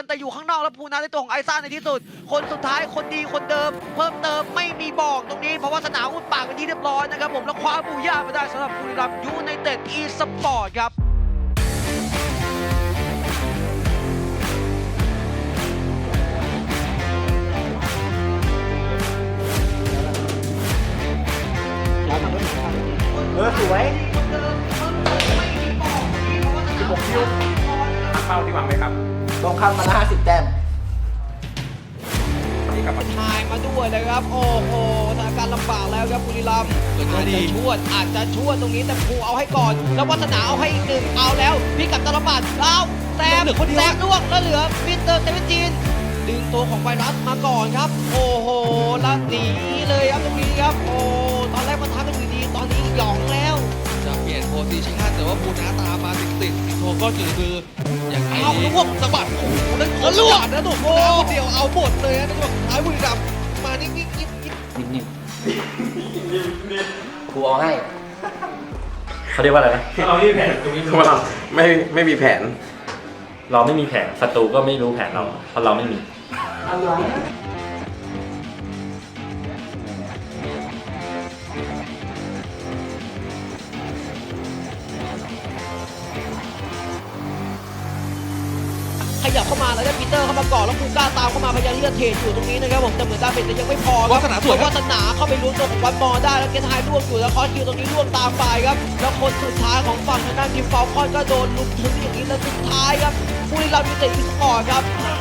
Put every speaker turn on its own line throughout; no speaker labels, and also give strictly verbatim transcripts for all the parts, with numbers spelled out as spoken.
แต่อยู่ข้างนอกแล้วภูนาในตัวของไอซ่าในที่สุดคนสุดท้ายคนดีคนเดิมเพิ่มเติมไม่มีบอกตรงนี้เพราะว่าสนามอุดปากเป็นที่เรียบร้อยนะครับผมแล้วคว้าบูย่ามาได้สำหรับบุรีรัมย์ยูไนเต็ดอีสปอร์ตครับ
เออสวยสิบหกคิวเป้าที่หวังไหมครับลงคำมาห้าสิบแต้มนี่กลับมา
ทายมาด้วยเลยครับโอ้โหสถานการณ์ลำบากแล้วครับบุรีรัมย์อาจจะชวดอาจจะชวดตรงนี้แต่ภูเอาให้ก่อนแล้ววัฒนาเอาให้อีกหนึ่งเอาแล้วพี่กับตลบัดเอาแซมแซมล่วงแล้วเหลือมิสเตอร์เซเว่นทีนดึงตัวของไวรัสมาก่อนครับโอ้โหแล้วหนีเลยครับตรงนี้ครับโอ้ตอนแรกมันทำกันอยู่ดีตอนนี้หยองแล้ว
จะเปลี่ยนโพซิชั่นแต่ว่าภูนาตามมาติดติดโทก็จืดคืออย่างไรดี
เอาลูกสะบัดโอ้โหนั่นขอลูกนะถูกโอ้เดียวเอาหมดเลยนะในช่วงท้ายบุรีรัมย์มานิ่งๆนิ่งๆ
นิ่มๆครูเอาให้เขาเรียกว่าอะไรนะ
เราไม่มีแผนตรงนี้คือเราไม่ไม่มีแผน
เราไม่มีแผนศัตรูก็ไม่รู้แผนเราเพราะเราไม่มี
ขยับเข้ามาแล้วได้ปีเตอร์เข้ามาก่อนแล้วคูก้าตามเข้ามาพยายามที่จะเทรดอยู่ตรงนี้นะครับผมแต่เหมือนดาเมจจะยังไม่พอ
วาสนาสวย
วาสนาเข้าไปลุ้นตัวของวันมอได้แล้วเกทายล่วงอยู่แล้วคอสคิวตรงนี้ล่วงตามไปครับแล้วคนสุดท้ายของฝั่งทางด้านทีมฟอลคอนก็โดนลุกถึงอย่างนี้แล้วสุดท้ายครับบุรีรัมย์ยูไนเต็ดอีสปอร์ตครับ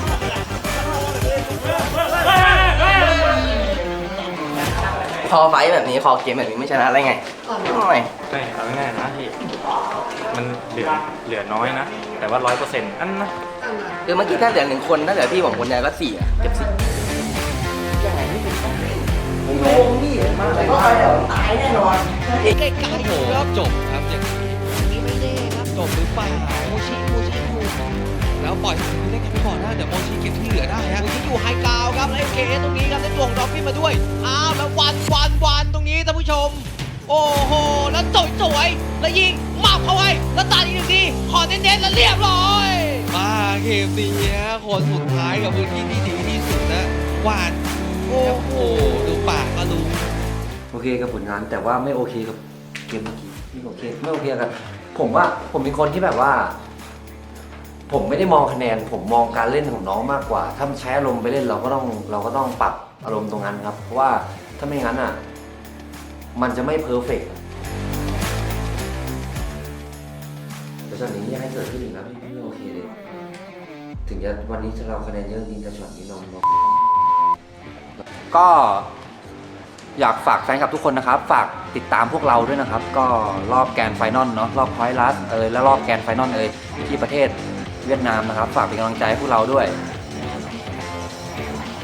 พอไฟแบบนี้คอเกมแบบนี้ไม่ชนะได้ไงหน่อย
ใช่เอาง่ายๆนะที่มันเหลือเหลือน้อยนะแต่ว่าร้อยเปอร์เซ็นต์อันนะ
คือเมื่อกี้ถ้าเหลือหนึ่งคนถ้าเหลือพี่ผมคนเดียวก็สี่อะเก็บสี่ยังไงไม่ถึงโยงนี่มากเลยก็ไปแล้วตายแน่นอน
ใกล้ๆอยู่ครับ
จบครับอย่างนี้
นี่ไม่แน่ครับจบหรือเปล่าโมชิโมชิอยู่
แล้วปล่อยให้เล่นกันไปก่อนนะเดี๋ยวโมชิเก็บที่เหลือได้ฮะ
โมชิอยู่ไฮกราวครับแล้วเอเคตรงนี้ครับได้ตัวของดอฟฟี่มาด้วยอ้าวแล้ววันวันวันตรงนี้ท่านผู้ชมโอ้โหแล้วสวยสวยแล้วยิงหมับเข้าไว้แล้วตัดอีกหนึ่งทีขอเน้นๆแล้วเรียบร้อย
มาเกมนี้คนสุดท้ายกับพื้นที่ที่ดีที่สุดนะวาดโอ้โหดูปากก็รู้
โอเคกับผลงานแต่ว่าไม่โอเคกับเกมเมื่อกี้ไม่โอเคไม่โอเคกันผมว่าผมเป็นคนที่แบบว่า ผมไม่ได้มองคะแนนผมมองการเล่นของน้องมากกว่าถ้ามันใช้อารมณ์ไปเล่นเราก็ต้องเราก็ต้องปรับอารมณ์ตรงนั้นครับเพราะว่าถ้าไม่งั้นอ่ะมันจะไม่เพอร์เฟกต์แต่ช็อตนี้อยากให้เกิดขึ้นอีกนะพี่ไม่โอเคเลยถึงจะวันนี้เราคะแนนเยอะจริงแต่ช็อตนี้น้องก็อยากฝากแฟนคลับทุกคนนะครับฝากติดตามพวกเราด้วยนะครับก็รอบแกรนด์ไฟนอลเนาะรอบพอยต์ลัสเอยและรอบแกรนด์ไฟนอลเอยที่ประเทศเวียดนามนะครับฝากเป็นกำลังใจให้พวกเราด้วย